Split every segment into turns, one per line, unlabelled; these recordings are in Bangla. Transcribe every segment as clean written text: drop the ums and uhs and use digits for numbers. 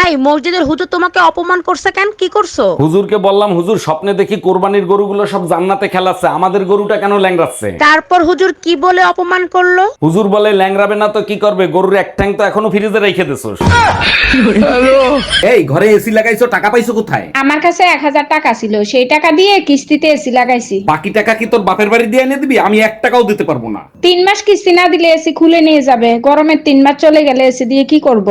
এই মসজিদের হুজুর তোমাকে অপমান করছে কেন? কি করছো?
হুজুরকে বললাম, হুজুর স্বপ্নে দেখি কোরবানির গরুগুলো সব জান্নাতে খেলাচ্ছে, আমাদের গরুটা কেন ল্যাংড়াচ্ছে?
তারপর হুজুর কি বলে অপমান করলো?
হুজুর বলে, ল্যাংড়াবে না তো কি করবে, গরুর এক ঠ্যাং তো এখনো ফ্রিজে রেখে দিছোস। এই ঘরে এসি লাগাইছো, টাকা পাইছো কোথায়?
আমার কাছে 1000 টাকা ছিল, সেই টাকা দিয়ে কিস্তিতে এসি লাগাইছি।
বাকি টাকা কি তোর বাপের বাড়ি দিয়ে এনে দিবি? আমি 1 টাকাও দিতে পারবো না।
3 মাস কিস্তি না দিলে এসি খুলে নিয়ে যাবে, গরমের 3 মাস চলে গেলে এসি দিয়ে কি করব?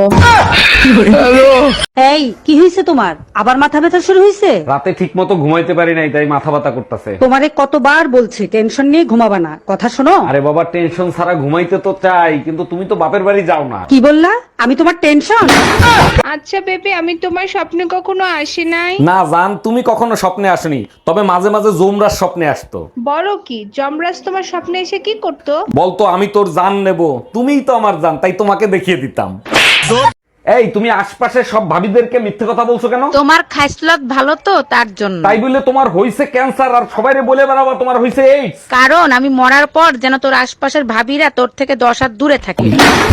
এই কি হয়েছে তোমার? আবার মাথা ব্যথা শুরু হয়েছে?
রাতে ঠিক মতো ঘুমাইতে পারি নাই, তাই মাথা ব্যথা করতেছে।
তোমারে কতবার বলছি টেনশন নিয়ে ঘুমাবা না, কথা শোনো।
আরে বাবা, টেনশন ছাড়া ঘুমাইতে তো চাই, কিন্তু তুমি তো বাপের বাড়ি যাও না।
কি বললা? আমি তোমার টেনশন?
আচ্ছা বেবি, আমি তোমার স্বপ্নে কখনো আসি নাই।
না জান, তুমি কখনো স্বপ্নে আসনি, তবে মাঝে মাঝে জোমরার স্বপ্নে আসতো।
বলো কি, যমরাজ তোমার স্বপ্নে এসে কি করতো?
বলতো আমি তোর জান নেব, তুমিই তো আমার জান, তাই তোমাকে দেখিয়ে দিতাম। এই তুমি আশপাশে সব ভাবিদেরকে মিথ্যে কথা বলছো কেন?
তোমার খাইসলত ভালো তো তার জন্য।
তাই বলে তোমার হইছে ক্যান্সার আর সবাইরে বলে বেড়াবা তোমার হইছে এইডস?
কারণ আমি মরার পর যেন তোর আশপাশের ভাবিরা তোর থেকে 10 হাত দূরে থাকে।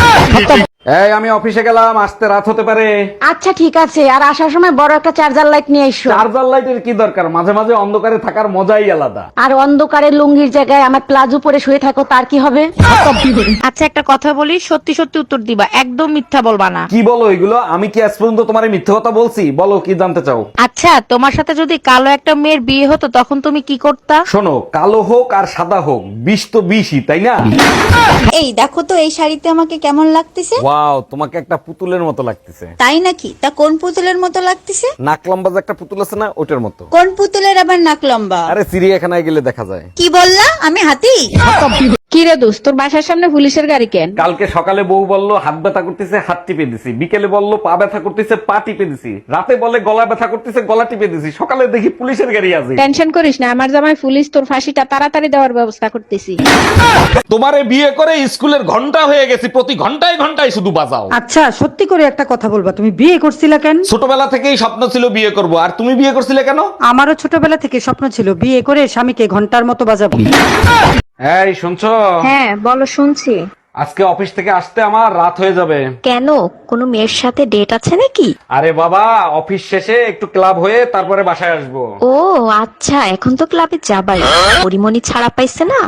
এই আমি অফিসে গেলাম, আসতে রাত হতে পারে।
আচ্ছা ঠিক আছে, আর আসার সময় বড় একটা চার্জার লাইট নিয়ে এসো।
চার্জার লাইটের কি দরকার? মাঝে মাঝে অন্ধকারে থাকার মজাই আলাদা।
আর অন্ধকারে লুঙ্গির জায়গায় আমার প্লাজো পরে শুয়ে থাকো, তার কি হবে? আচ্ছা একটা কথা বলি, সত্যি সত্যি উত্তর দিবা, একদম মিথ্যা বলবা না।
কি বলো এগুলো? আমি কি আজ পর্যন্ত তোমার মিথ্যে কথা বলছি? বলো কি জানতে চাও?
আচ্ছা তোমার সাথে যদি কালো একটা মেয়ের বিয়ে হতো তখন তুমি কি করতা?
শোনো, কালো হোক আর সাদা হোক, বিষ তো বিষই, তাই না?
এই দেখো তো এই শাড়িতে আমাকে কেমন লাগতেছে।
ওয়াও, তোমাকে একটা পুতুলের মতো লাগতেছে।
তাই নাকি? তা কোন পুতুলের মতো লাগতেছে?
নাক লম্বা যে একটা পুতুল আছে না, ওটার মতো।
কোন পুতুলের আবার নাক লম্বা?
আরে চিড়িয়াখানায় গেলে দেখা যায়।
কি বললা? আমি হাতি?
কি রে দোস্ত, তোর বাসার সামনে পুলিশের গাড়ি কেন?
কালকে সকালে বউ বলল হাত ব্যথা করতেছে, হাত টিপে দিছি। বিকেলে বলল পা ব্যথা করতেছে, পা টিপে দিছি। রাতে বলে গলা ব্যথা করতেছে, গলা টিপে দিছি। সকালে দেখি পুলিশের গাড়ি আছে।
টেনশন করিস না, আমার জামাই পুলিশ, তোর ফাঁসিটা তাড়াতাড়ি দেওয়ার ব্যবস্থা করতেছি।
তোমারে বিয়ে করে স্কুলের ঘন্টা হয়ে গেছি, প্রতি ঘন্টায় ঘন্টায় শুধু বাজাও।
আচ্ছা সত্যি করে একটা কথা বলবা, তুমি বিয়ে করছিলা কেন?
ছোটবেলা থেকেই স্বপ্ন ছিল বিয়ে করব, আর তুমি বিয়ে করছিলে কেন?
আমারও ছোটবেলা থেকে স্বপ্ন ছিল বিয়ে করে স্বামীকে ঘন্টার মতো বাজাবো।
এই শুনছো?
হ্যাঁ বলো, শুনছি।
আজকে অফিস থেকে আসতে আমার রাত হয়ে যাবে।
কেন, কোনো মেয়ের সাথে ডেট আছে নাকি?
আরে বাবা, অফিস শেষে একটু ক্লাব হয়ে তারপরে বাসায় আসবো।
ও আচ্ছা, এখন তো ক্লাবে যাবাই, পরিমণি ছাড়া পাইছে না।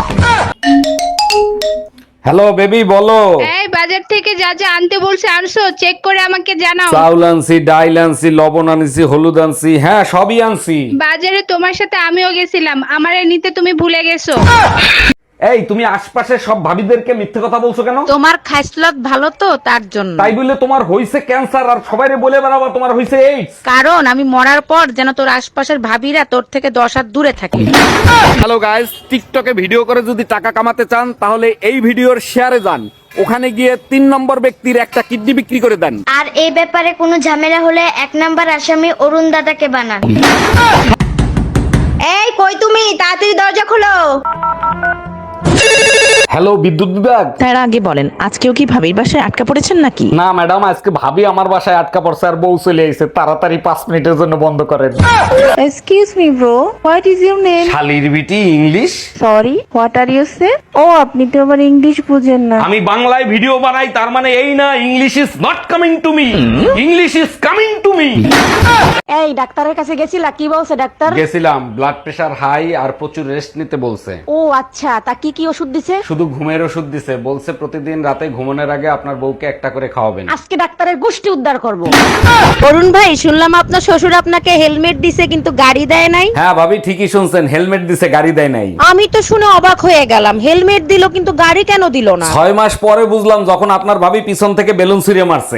হ্যালো বেবি, বলো।
এই বাজার থেকে যা যা আনতে বলছে আনছো, চেক করে আমাকে জানাও।
চাউল আনছি, ডাইল আনছি, লবণ আনছি, হলুদ আনছি, হ্যাঁ সবই আনছি।
বাজারে তোমার সাথে আমিও গেছিলাম, আমারে নিতে তুমি ভুলে গেছো।
এই তুমি আশপাশে সব ভাবিদেরকে মিথ্যে কথা বলছো কেন?
তোমার খাইসলত ভালো তো তার জন্য।
তাই বলে তোমার হইছে ক্যান্সার আর সবাইরে বলে বেড়াবা তোমার হইছে এইডস?
কারণ আমি মরার পর যেন তোর আশপাশের ভাবিরা তোর থেকে 10 হাত দূরে থাকে।
হ্যালো গাইস, টিকটকে ভিডিও করে যদি টাকা কামাতে চান তাহলে এই ভিডিওর শেয়ারে যান, ওখানে গিয়ে 3 নম্বর ব্যক্তির একটা কিডনি বিক্রি করে দেন।
আর এই ব্যাপারে কোনো ঝামেলা হলে 1 নাম্বার আসামি অরুণ দাদাকে বানান।
এই কই তুমি? তাড়াতাড়ি দরজা খোলো।
হ্যালো বিদ্যুৎ বিভাগ।
তার আগে বলেন, আজকেও কি ভাবির বাসায় আটকা পড়েছেন নাকি?
না ম্যাডাম, আজকে ভাবি আমার বাসায় আটকা পড়ছে আর বউ চলে আইছে, তাড়াতাড়ি 5 মিনিটের জন্য বন্ধ করেন।
Excuse me bro, what is your name?
শালির বিটি English.
Sorry, what are you say? ও আপনি তো আবার ইংলিশ বুঝেন না।
আমি বাংলায় ভিডিও বানাই, তার মানে এই না English is not coming to me, English is coming to me.
এই ডাক্তারের কাছে গেছিলা, কি বলছে ডাক্তার?
গেছিলাম, ব্লাড প্রেশার হাই আর প্রচুর রেস্ট নিতে বলছে।
ও আচ্ছা, তা কি কি ওষুধ দিছে?
শুধু ঘুমের ওষুধ দিছে, বলছে প্রতিদিন রাতে ঘুমানোর আগে আপনার বউকে একটা করে খাওয়াবেন।
আজকে ডাক্তারের গোষ্ঠী উদ্ধার করব।
অরুণ ভাই, শুনলাম আপনার শ্বশুর আপনাকে হেলমেট দিছে কিন্তু গাড়ি দেয় নাই।
হ্যাঁ ভাবি, ঠিকই শুনছেন, হেলমেট দিছে, গাড়ি দেয় নাই।
আমি তো শুনে অবাক হয়ে গেলাম, হেলমেট দিল কিন্তু গাড়ি কেন দিল না?
6 মাস পরে বুঝলাম, যখন আপনার ভাবি পিছন থেকে বেলুন ছুঁড়ে মারছে।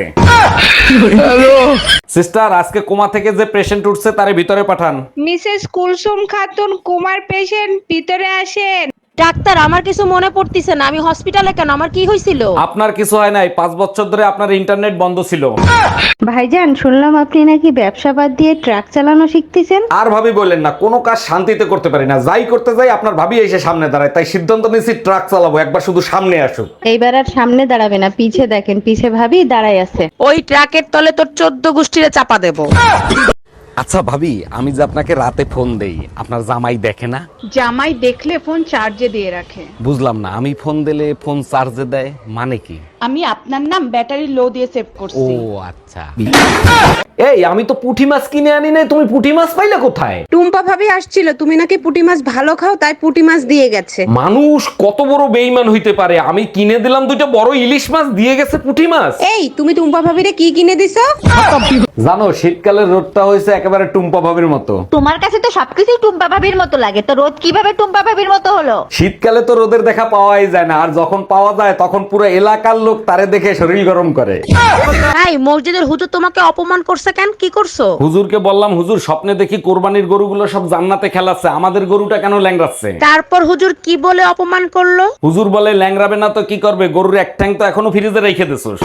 সিস্টার, আজকে কোমা থেকে যে পেশেন্ট উঠছে তারে ভিতরে পাঠান।
মিসেস কুলসুম খাতুন, কুমার পেশেন্ট, ভিতরে আসেন।
ডাক্তার, আমার কিছু মনে পড়তিছে না, আমি হসপিটালে কেন? আমার কি হয়েছিল?
আপনার কিছু হয় নাই, 5 বছর ধরে আপনার ইন্টারনেট বন্ধ ছিল।
ভাইজান, শুনলাম আপনি নাকি ব্যবসা বাদ দিয়ে ট্রাক চালানো শিখতেছেন।
আর ভাবি বললেন না, কোনো কাজ শান্তিতে করতে পারি না, যাই করতে যাই আপনার ভাবি এসে সামনে দাঁড়ায়, তাই সিদ্ধান্ত নিয়েছি ট্রাক চালাবো, একবার শুধু সামনে আসুক।
এইবার আর সামনে দাঁড়াবে না, পিছে দেখেন, পিছে ভাবি দাঁড়াই আছে।
ওই ট্রাকের তলে তোর 14 গোষ্ঠীরে চাপা দেব।
আচ্ছা ভাবি, আমি যে আপনাকে রাতে ফোন দেই, আপনার জামাই দেখে না?
জামাই দেখলে ফোন চার্জে দিয়ে রাখে।
বুঝলাম না, আমি ফোন দিলে ফোন চার্জে দেয় মানে কি?
আমি আপনার নাম ব্যাটারি লো দিয়ে সেভ
ও
করছি।
আচ্ছা। এই আমি তো পুঁটি মাছ কিনে আনি নাই, তুমি পুঁটি মাছ পাইলে কোথায়?
টুম্পা ভাবি আসছিল, তুমি নাকি পুঁটি মাছ ভালো খাও তাই পুঁটি মাছ দিয়ে গেছে।
মানুষ কত বড় বেঈমান হইতে পারে, আমি কিনে দিলাম দুইটা বড় ইলিশ মাছ, দিয়ে গেছে পুঁটি মাছ।
এই তুমি টুম্পা ভাবিরে কি কিনে দিছো?
জানো শীতকালের রোদটা হয়েছে একেবারে টুম্পা ভাবির মতো।
তোমার কাছে তো সবকিছু টুম্পা ভাবির মতো লাগে, তো রোদ কিভাবে টুম্পা ভাবির মতো হলো?
শীতকালে তো রোদের দেখা পাওয়াই যায় না, আর যখন পাওয়া যায় তখন পুরো এলাকার লোক তারে দেখে শরীর গরম করে।
এই মসজিদের হুজুর তোমাকে অপমান করছে কেন? কি করছো?
হুজুরকে বললাম, হুজুর স্বপ্নে দেখি কোরবানির গরুগুলো সব জান্নাতে খেলাচ্ছে, আমাদের গরুটা কেন ল্যাংড়াচ্ছে?
তারপর হুজুর কি বলে অপমান করলো?
হুজুর বলে, ল্যাংড়াবে না তো কি করবে, গরুর এক ঠ্যাং তো এখনো ফ্রিজে রেখে দিছোস।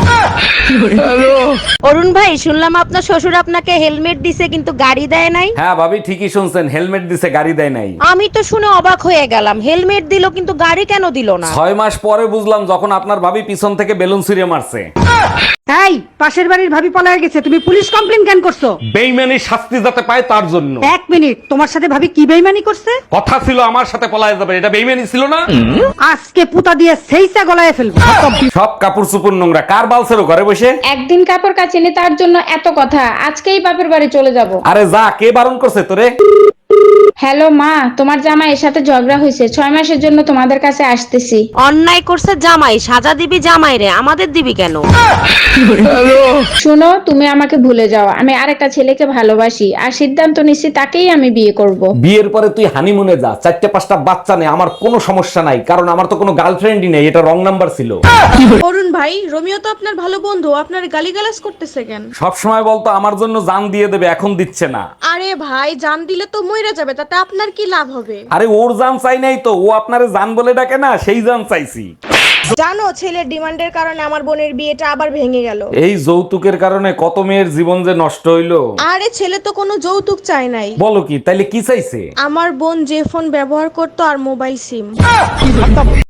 অরুণ ভাই, শুনলাম আপনার শ্বশুর আপনাকে হেলমেট দিছে কিন্তু গাড়ি দেয় নাই।
হ্যাঁ ভাবি, ঠিকই শুনছেন, হেলমেট দিছে, গাড়ি দেয় নাই।
আমি তো শুনে অবাক হয়ে গেলাম, হেলমেট দিল কিন্তু গাড়ি কেন দিল না?
6 মাস পরে বুঝলাম, যখন আপনার ভাবি পিছন থেকে বেলুন ছুঁড়ে মারছে।
এই পাশের বাড়ির ভাবি পলায় গেছে, তুমি পুলিশ কমপ্লেন কেন করছো?
বেইমানির শাস্তি যাতে পায় তার জন্য।
1 মিনিট, তোমার সাথে ভাবি কি বেইমানি করছে?
কথা ছিল আমার সাথে পলায় যাবে, এটা বেইমানি ছিল না?
আজকে পুতা দিয়ে সেইসা গলায় ফেলবো।
সব কাপড় চুপুর নোংরা, কার বালছেরো ঘরে বসে?
একদিন কাপড় কাচিনি তার জন্য এত কথা, আজকেই বাপের বাড়ি চলে যাব।
আরে যা, কে বারণ করছে তোরে?
হ্যালো মা, তোমার জামাইয়ের সাথে ঝগড়া হয়েছে, 6 মাসের জন্য তোমাদের কাছে আসতেছি।
অন্যায় করছে জামাই, সাজা দিবি জামাই রে, আমাদের দিবি কেন?
শুনো, তুমি আমাকে ভুলে যাও, আমি আরেকটা ছেলেকে ভালোবাসি আর সিদ্ধান্ত নিচ্ছি তাকেই আমি বিয়ে করব।
বিয়ের পরে তুই হানিমুনে যা, 4-5টা বাচ্চা নেই, আমার কোনো সমস্যা নাই, কারণ আমার তো কোনো গার্লফ্রেন্ডই নেই, এটা রং নাম্বার ছিল।
অরুণ ভাই, রোমিও তো আপনার ভালো বন্ধু, আপনার গালিগালাজ করতেছে কেন?
সব সময় বলতো আমার জন্য জান দিয়ে দেবে, এখন দিচ্ছে না।
আরে ভাই, জান দিলে তো মইরা যাবে, তাতে আপনার কি লাভ হবে?
আরে ওর জান চাই নাই তো, ও আপনারে জান বলে ডাকে না, সেই জান চাইছি।
জানো, ছেলের ডিমান্ডের কারণে আমার বোনের বিয়েটা আবার ভেঙে গেল।
এই যৌতুকের কারণে কত মেয়ের জীবন যে নষ্ট হইলো।
আরে ছেলে তো কোনো যৌতুক চায় নাই।
বলো কি, তাইলে কি চাইছে?
আমার বোন যে ফোন ব্যবহার করতো আর মোবাইল সিম।